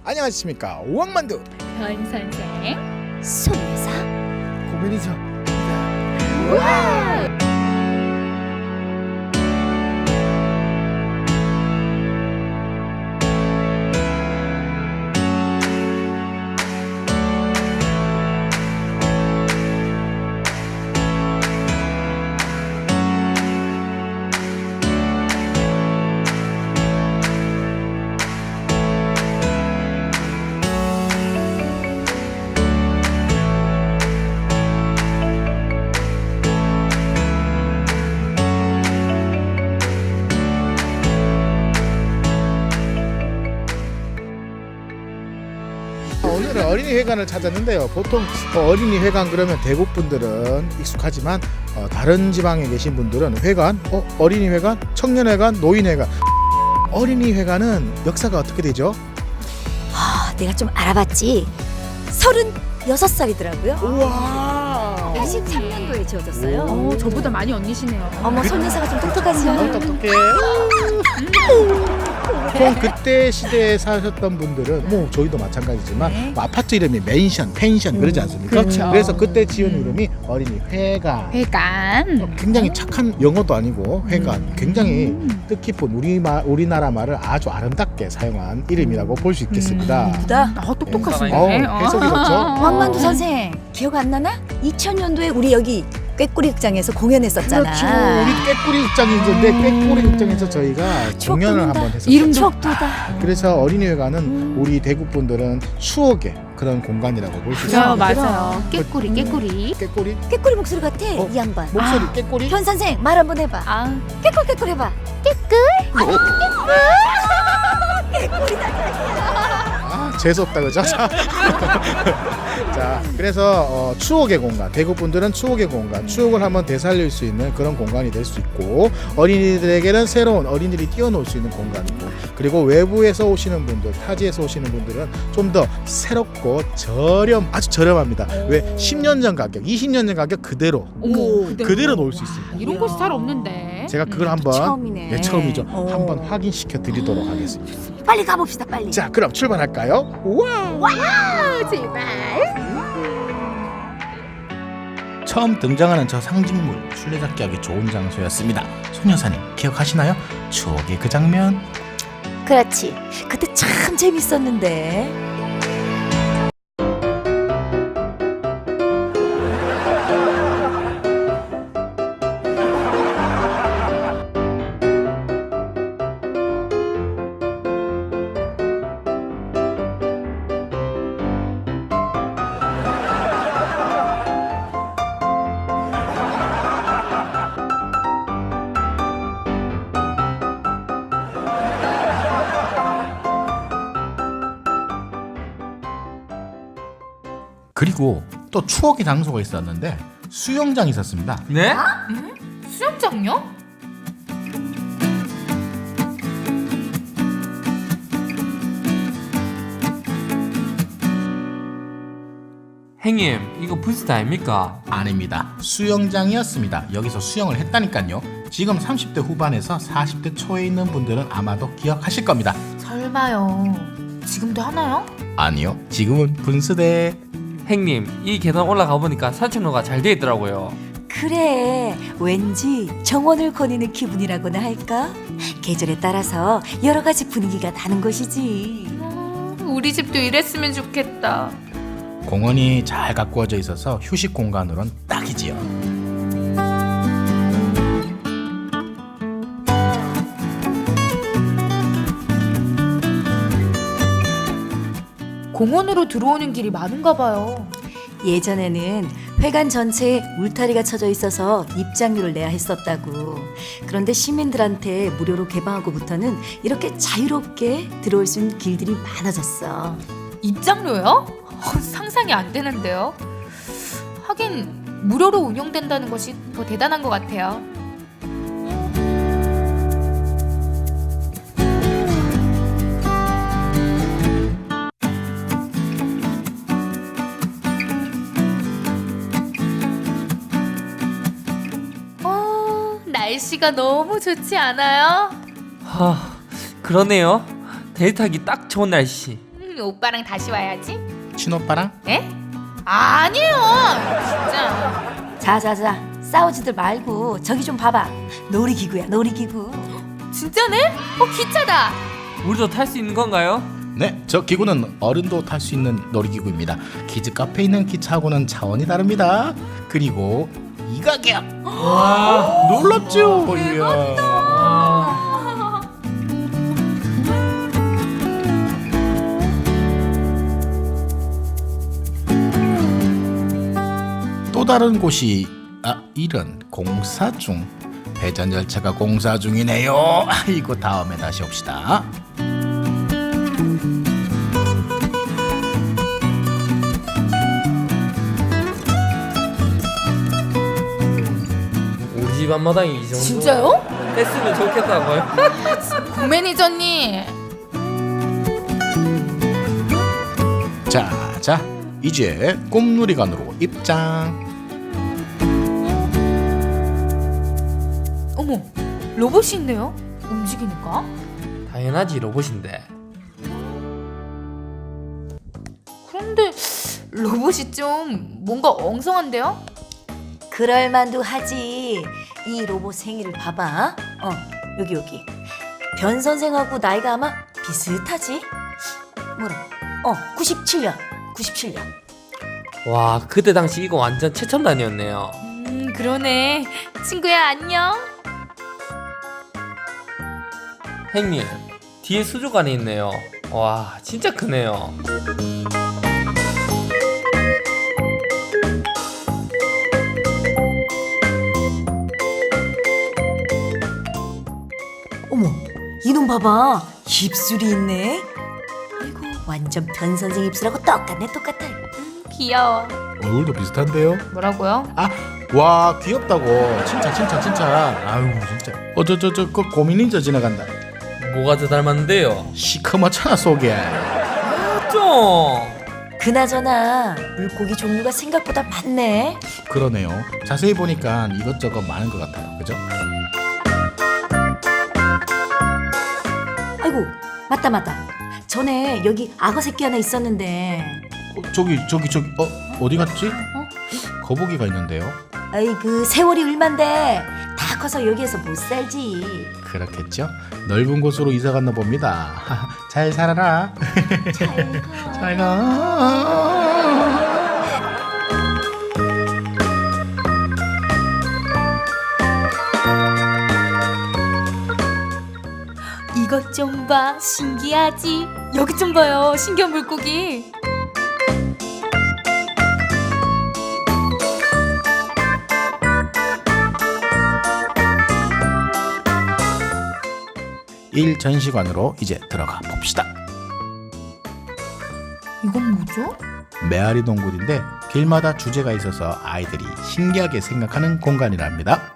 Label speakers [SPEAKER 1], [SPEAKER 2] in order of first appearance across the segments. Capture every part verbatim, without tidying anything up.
[SPEAKER 1] 안녕하십니까, 오왕만두
[SPEAKER 2] 변 선생.
[SPEAKER 3] 손여사.
[SPEAKER 1] 고민이죠.
[SPEAKER 2] 우와!
[SPEAKER 1] 오늘은 어린이회관을 찾았는데요. 보통 어린이 회관 그러면 대구 분들은 익숙하지만 어, 다른 지방에 계신 분들은 회관, 어, 어린이회관, 청년회관, 노인회관. 어린이회관은 역사가 어떻게 되죠?
[SPEAKER 3] 아, 내가 좀 알아봤지. 서른여섯 살이더라고요.
[SPEAKER 1] 우와.
[SPEAKER 3] 팔십삼 년도에 지어졌어요.
[SPEAKER 2] 어, 저보다 많이 언니시네요.
[SPEAKER 3] 어머, 손여사가 좀 똑똑하지?
[SPEAKER 1] 어, 똑똑해. 보통 그때 시대에 사셨던 분들은 뭐 저희도 마찬가지지만
[SPEAKER 3] 네.
[SPEAKER 1] 뭐 아파트 이름이 맨션, 펜션 그러지 않습니까?
[SPEAKER 2] 그렇죠.
[SPEAKER 1] 그래서 그때 지은 이름이 어린이회관.
[SPEAKER 2] 회관.
[SPEAKER 1] 굉장히 착한 영어도 아니고 회관, 굉장히 뜻깊은 우리말 우리나라 말을 아주 아름답게 사용한 이름이라고 볼 수 있겠습니다.
[SPEAKER 3] 보다
[SPEAKER 2] 아, 똑똑하시네.
[SPEAKER 1] 어, 해석이 좋죠?
[SPEAKER 3] 왕만두 선생 기억 안 나나? 이천 년도에 우리 여기 꾀꼬리 극장에서 공연했었잖아.
[SPEAKER 1] 그렇죠. 우리 꾀꼬리 극장이 있는데 꾀꼬리 극장에서 저희가
[SPEAKER 3] 추억
[SPEAKER 1] 공연을
[SPEAKER 3] 돋는다.
[SPEAKER 1] 한번 했었죠.
[SPEAKER 2] 이름도-
[SPEAKER 3] 추억 돋아.
[SPEAKER 1] 그래서 어린이회관은 우리 대구 분들은 추억의 그런 공간이라고 볼 수
[SPEAKER 2] 맞아요,
[SPEAKER 1] 있습니다.
[SPEAKER 2] 맞아요. 깨꼬리, 깨꼬리.
[SPEAKER 1] 꾀꼬리
[SPEAKER 3] 꾀꼬리 목소리 같아,
[SPEAKER 1] 어?
[SPEAKER 3] 이 양반.
[SPEAKER 1] 목소리
[SPEAKER 2] 아.
[SPEAKER 1] 꾀꼬리.
[SPEAKER 3] 현 선생 말 한번 해봐.
[SPEAKER 2] 아,
[SPEAKER 3] 깨꿀 깨꿀 해봐.
[SPEAKER 1] 아, 재수없다 그죠? 자, 자, 그래서 어, 추억의 공간, 대구 분들은 추억의 공간, 추억을 한번 되살릴 수 있는 그런 공간이 될 수 있고, 어린이들에게는 새로운 어린이들이 뛰어놀 수 있는 공간이고, 그리고 외부에서 오시는 분들, 타지에서 오시는 분들은 좀 더 새롭고 저렴, 아주 저렴합니다. 왜 십 년 전 가격, 이십 년 전 가격 그대로
[SPEAKER 2] 어머,
[SPEAKER 1] 그대로 놓을 수 있습니다.
[SPEAKER 2] 이런 곳이 잘 없는데.
[SPEAKER 1] 제가 그걸
[SPEAKER 2] 음.
[SPEAKER 1] 한번
[SPEAKER 3] 처음이네.
[SPEAKER 1] 예, 처음이죠.
[SPEAKER 3] 어.
[SPEAKER 1] 한번 확인시켜 드리도록 하겠습니다.
[SPEAKER 3] 빨리 가봅시다, 빨리.
[SPEAKER 1] 자, 그럼 출발할까요? 우와!
[SPEAKER 2] 아, 제발.
[SPEAKER 1] 처음 등장하는 저 상징물, 술래잡기 하기 좋은 장소였습니다. 소녀사님 기억하시나요? 추억의 그 장면.
[SPEAKER 3] 그렇지. 그때 참 재밌었는데.
[SPEAKER 1] 그리고 또 추억의 장소가 있었는데 수영장이 있었습니다.
[SPEAKER 4] 네?
[SPEAKER 2] 수영장요?
[SPEAKER 4] 형님 이거 부스트 아닙니까?
[SPEAKER 1] 아닙니다. 수영장이었습니다. 여기서 수영을 했다니까요. 지금 삼십 대 후반에서 사십 대 초에 있는 분들은 아마도 기억하실 겁니다.
[SPEAKER 2] 설마요. 지금도 하나요?
[SPEAKER 1] 아니요, 지금은 분수대.
[SPEAKER 4] 형님 이 계단 올라가 보니까 산책로가 잘 돼 있더라고요.
[SPEAKER 3] 그래, 왠지 정원을 거니는 기분이라고나 할까? 계절에 따라서 여러 가지 분위기가 나는 것이지.
[SPEAKER 2] 음, 우리 집도 이랬으면 좋겠다.
[SPEAKER 1] 공원이 잘 가꾸어져 있어서 휴식 공간으론 딱이지요.
[SPEAKER 2] 공원으로 들어오는 길이 많은가 봐요.
[SPEAKER 3] 예전에는 회관 전체에 울타리가 쳐져 있어서 입장료를 내야 했었다고. 그런데 시민들한테 무료로 개방하고부터는 이렇게 자유롭게 들어올 수 있는 길들이 많아졌어.
[SPEAKER 2] 입장료요? 어, 상상이 안 되는데요. 하긴 무료로 운영된다는 것이 더 대단한 것 같아요. 어, 날씨가 너무 좋지 않아요?
[SPEAKER 4] 하, 그러네요. 데이트 하기 딱 좋은 날씨.
[SPEAKER 2] 음, 오빠랑 다시 와야지.
[SPEAKER 1] 친오빠랑?
[SPEAKER 2] 에? 아니에요. 진짜.
[SPEAKER 3] 자자자 싸우지들 말고 저기 좀 봐봐. 놀이기구야 놀이기구.
[SPEAKER 2] 진짜네? 어 기차다.
[SPEAKER 4] 우리도 탈 수 있는 건가요?
[SPEAKER 1] 네, 저 기구는 어른도 탈 수 있는 놀이기구입니다. 키즈 카페에 있는 기차하고는 차원이 다릅니다. 그리고 이 가격!
[SPEAKER 4] 와.
[SPEAKER 1] 놀랍죠? 이야.
[SPEAKER 4] 아.
[SPEAKER 1] 또 다른 곳이 아 이런 공사 중 배전 열차가 공사 중이네요. 아이고 다음에 다시 옵시다.
[SPEAKER 4] 우리 집 앞마당이 이 정도
[SPEAKER 2] 진짜요?
[SPEAKER 4] 했으면 좋겠다고요?
[SPEAKER 2] 고 매니저님.
[SPEAKER 1] 자, 자 이제 꿈놀이관으로 입장.
[SPEAKER 2] 어머, 로봇이 있네요. 움직이니까.
[SPEAKER 4] 당연하지 로봇인데.
[SPEAKER 2] 그런데 로봇이 좀 뭔가 엉성한데요?
[SPEAKER 3] 그럴만도 하지. 이 로봇 생일을 봐봐. 어 여기 여기. 변 선생하고 나이가 아마 비슷하지? 뭐라? 어 구십칠 년. 구십칠 년.
[SPEAKER 4] 와 그때 당시 이거 완전 최첨단이었네요.
[SPEAKER 2] 음, 그러네. 친구야, 안녕.
[SPEAKER 4] 형님 뒤에 수족관이 있네요. 와 진짜 크네요.
[SPEAKER 3] 어머 이놈 봐봐. 입술이 있네. 아이고 완전 변 선생 입술하고 똑같네 똑같아.
[SPEAKER 2] 귀여워.
[SPEAKER 1] 얼굴도 비슷한데요?
[SPEAKER 2] 뭐라고요?
[SPEAKER 1] 아, 와 귀엽다고. 진짜 진짜 진짜. 아유 진짜. 어 저 저 저 그 고민인저 지나간다.
[SPEAKER 4] 뭐가 더 닮았는데요?
[SPEAKER 1] 시커멓잖아 속에.
[SPEAKER 4] 아, 좀.
[SPEAKER 3] 그나저나 물고기 종류가 생각보다 많네.
[SPEAKER 1] 그러네요. 자세히 보니까 이것저것 많은 것 같아요. 그죠?
[SPEAKER 3] 아이고 맞다 맞다. 전에 여기 악어 새끼 하나 있었는데.
[SPEAKER 1] 어, 저기 저기 저기 어 어디 갔지? 거북이가 있는데요.
[SPEAKER 3] 아이 그 세월이 얼만데 다 커서 여기에서 못 살지.
[SPEAKER 1] 그렇겠죠? 넓은 곳으로 이사 갔나 봅니다. 잘 살아라. 잘 가.
[SPEAKER 2] 이것 좀 봐. 신기하지? 여기 좀 봐요. 신기한 물고기.
[SPEAKER 1] 일 전시관으로 이제 들어가 봅시다.
[SPEAKER 2] 이건 뭐죠?
[SPEAKER 1] 메아리 동굴인데 길마다 주제가 있어서 아이들이 신기하게 생각하는 공간이랍니다.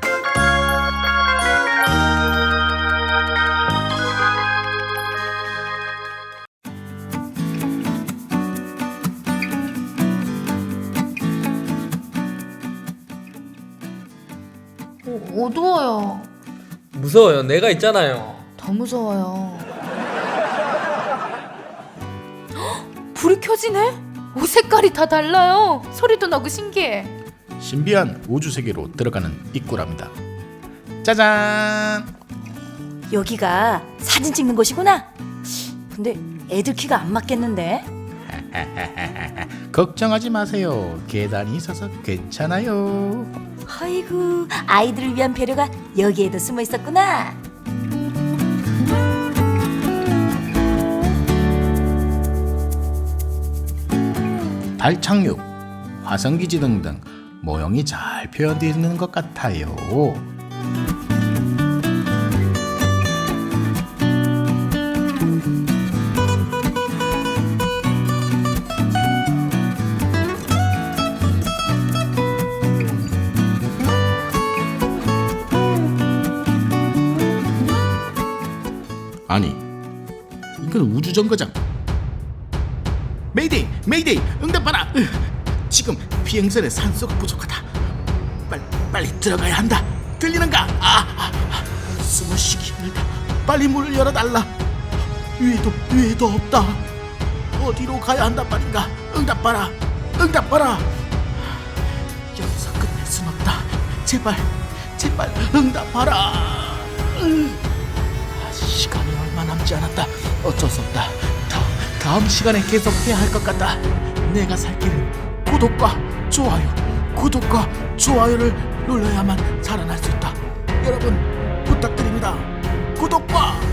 [SPEAKER 2] 어, 어두워요.
[SPEAKER 4] 무서워요. 내가 있잖아요.
[SPEAKER 2] 더 무서워요. 헉, 불이 켜지네? 옷 색깔이 다 달라요. 소리도 나고 신기해.
[SPEAKER 1] 신비한 우주 세계로 들어가는 입구랍니다. 짜잔!
[SPEAKER 3] 여기가 사진 찍는 곳이구나. 근데 애들 키가 안 맞겠는데.
[SPEAKER 1] 걱정하지 마세요. 계단이 있어서 괜찮아요.
[SPEAKER 3] 아이고 아이들을 위한 배려가 여기에도 숨어 있었구나.
[SPEAKER 1] 달 착륙, 화성기지 등등 모형이 잘 표현되어 있는 것 같아요. 아니, 이건 우주정거장. 메이데이, 메이데이, 응답하라. 으, 지금 비행선에 산소가 부족하다. 빨리, 빨리 들어가야 한다. 들리는가? 아, 아, 아, 숨을 쉬기 힘들다. 빨리 문을 열어달라. 위에도, 위에도 없다.
[SPEAKER 5] 어디로 가야 한단 말인가? 응답하라, 응답하라. 여기서 끝낼 순 없다. 제발, 제발 응답하라. 응. 아, 시간이 얼마 남지 않았다. 어쩔 수 없다. 다, 다음 시간에 계속해야 할 것 같다. 내가 살 길은 구독과 좋아요, 구독과 좋아요를 눌러야만 살아날 수 있다. 여러분 부탁드립니다. 구독과